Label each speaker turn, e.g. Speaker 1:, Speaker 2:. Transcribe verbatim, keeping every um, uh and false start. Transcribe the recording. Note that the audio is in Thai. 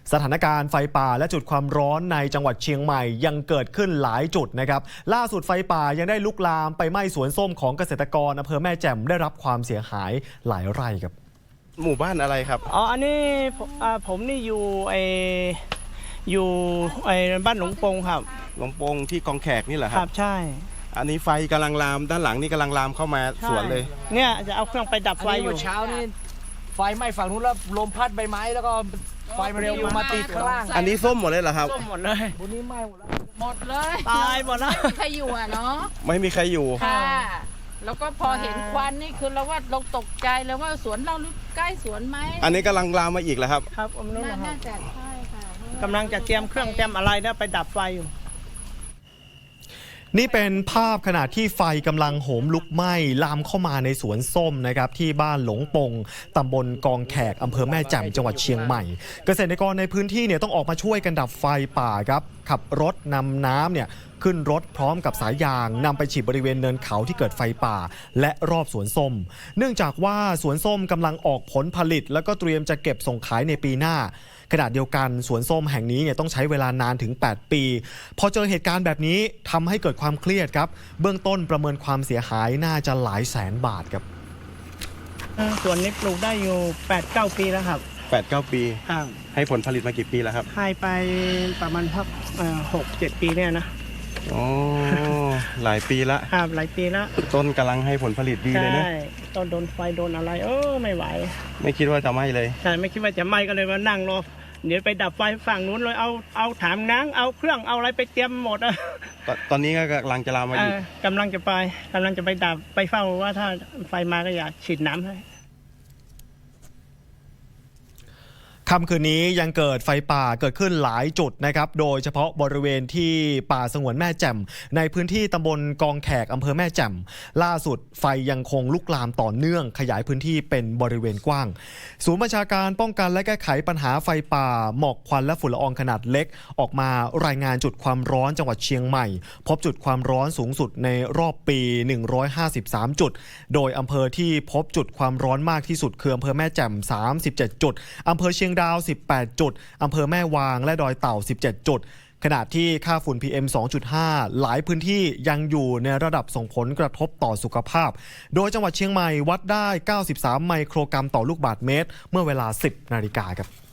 Speaker 1: สถานการณ์ไฟป่าและจุดความร้อนในจังหวัดเชียงใหม่ยังเกิดขึ้นหลายจุดนะครับล่าสุดไฟป่ายังได้ลุกลามไปไหม้สวนส้มของเกษตรกรอำเภอแม่แจ่มได้รับความเสียหายหลายไร่ครับ
Speaker 2: หมู่บ้านอะไรครับ
Speaker 3: อ๋ออันนี้อ่าผมนี่อยู่ไออยู่ไอบ้านหลวงปงครับ
Speaker 2: หลวงปงที่กองแขกนี่เหรอค
Speaker 3: ค
Speaker 2: รั
Speaker 3: รั
Speaker 2: บบ
Speaker 3: ใช่
Speaker 2: อันนี้ไฟกำลังลามด้านหลังนี่กำลังลามเข้ามาสวนเลย
Speaker 3: เนี่ยจะเอาเครื่องไปดับไฟอยู่
Speaker 4: เช้านี่ไฟไหม้ฝั่งนู้นแล้วลมพัดใบไม้แล้วก็ไฟมันเร็วมาติดข้างล่าง
Speaker 2: อันนี้ส้มหมดเลยเหรอครับ
Speaker 3: ส้มหมดเลย
Speaker 4: บนนี้ไหม้หมดแล้ว
Speaker 5: หมดเลย
Speaker 3: ตายหมดแล้ว
Speaker 5: ไม่มีใครอยู่อ่ะเนาะ
Speaker 2: ไม่มีใครอยู่
Speaker 5: ค่ะแล้วก็พอเห็นควันนี่คือเราว่าเราตกใจเลยว่าสวนเราใกล้สวนไหม
Speaker 2: อันนี้กำลังลามมาอีกแล้วครับ
Speaker 3: ครับผมรู้นะครั
Speaker 5: น่า
Speaker 3: บ
Speaker 5: จะใช่ค่ะ
Speaker 3: กำลังจะเตรียมเครื่องเตรียมอะไรแล้วไปดับไฟอยู่
Speaker 1: นี่เป็นภาพขณะที่ไฟกำลังโหมลุกไหม้ลามเข้ามาในสวนส้มนะครับที่บ้านหลงปงตำบลกองแขกอำเภอแม่แจ่มจังหวัดเชียงใหม่เกษตรกรในพื้นที่เนี่ยต้องออกมาช่วยกันดับไฟป่าครับขับรถนำน้ำเนี่ยขึ้นรถพร้อมกับสายยางนำไปฉีดบริเวณเนินเขาที่เกิดไฟป่าและรอบสวนส้มเนื่องจากว่าสวนส้มกำลังออกผลผลิตแล้วก็เตรียมจะเก็บส่งขายในปีหน้าขณะเดียวกันสวนส้มแห่งนี้เนี่ยต้องใช้เวลานานถึงแปดปีพอเจอเหตุการณ์แบบนี้ทำให้เกิดความเครียดครับเบื้องต้นประเมินความเสียหายน่าจะหลายแสนบาทครับ
Speaker 3: ส่วนนี้ปลูกได้อยู่ แปดเก้า ปีแล้วครับ
Speaker 2: แปดเก้า ปี
Speaker 3: ครับ
Speaker 2: ให้ผลผลิตมากี่ปีแล้วครับ
Speaker 3: ให้ไปประมาณพักหกเจ็ดปีเนี่ยนะ
Speaker 2: โอ้หลายปีละ
Speaker 3: ครับหลายปีละ
Speaker 2: ต้นกำลังให้ผลผลิตดีเลยนะ
Speaker 3: ใช่ต้นโดนไฟโดนอะไรเออไม่ไหว
Speaker 2: ไม่คิดว่าจะไหม้เลย
Speaker 3: ใช่ไม่คิดว่าจะไหม้ก็เลยมานั่งรอเดี๋ยวไปดับไฟฝั่งนู้นเลยเอาเอาถามน้ำเอาเครื่องเอาอะไรไปเตรียมหมดอะ
Speaker 2: ตตอนนี้ก็กำลังจะลามมาอีก
Speaker 3: กำลังจะไปกำลังจะไปดับไปเฝ้าว่าถ้าไฟมาก็อยากฉีดน้ำให้
Speaker 1: ค่ำคืนนี้ยังเกิดไฟป่าเกิดขึ้นหลายจุดนะครับโดยเฉพาะบริเวณที่ป่าสงวนแม่แจ่มในพื้นที่ตำบลกองแขกอำเภอแม่แจ่มล่าสุดไฟยังคงลุกลามต่อเนื่องขยายพื้นที่เป็นบริเวณกว้างศูนย์บัญชาการป้องกันและแก้ไขปัญหาไฟป่าหมอกควันและฝุ่นละอองขนาดเล็กออกมารายงานจุดความร้อนจังหวัดเชียงใหม่พบจุดความร้อนสูงสุดในรอบปีหนึ่งร้อยห้าสิบสามจุดโดยอำเภอที่พบจุดความร้อนมากที่สุดคืออำเภอแม่แจ่มสามสิบเจ็ดจุดอำเภอเชียงดาวสิบแปดจุดอำเภอแม่วางและดอยเต่าสิบเจ็ดจุดขณะที่ค่าฝุ่น พี เอ็ม สองจุดห้า หลายพื้นที่ยังอยู่ในระดับส่งผลกระทบต่อสุขภาพโดยจังหวัดเชียงใหม่วัดได้เก้าสิบสามไมโครกรัมต่อลูกบาศก์เมตรเมื่อเวลา สิบนาฬิกาครับ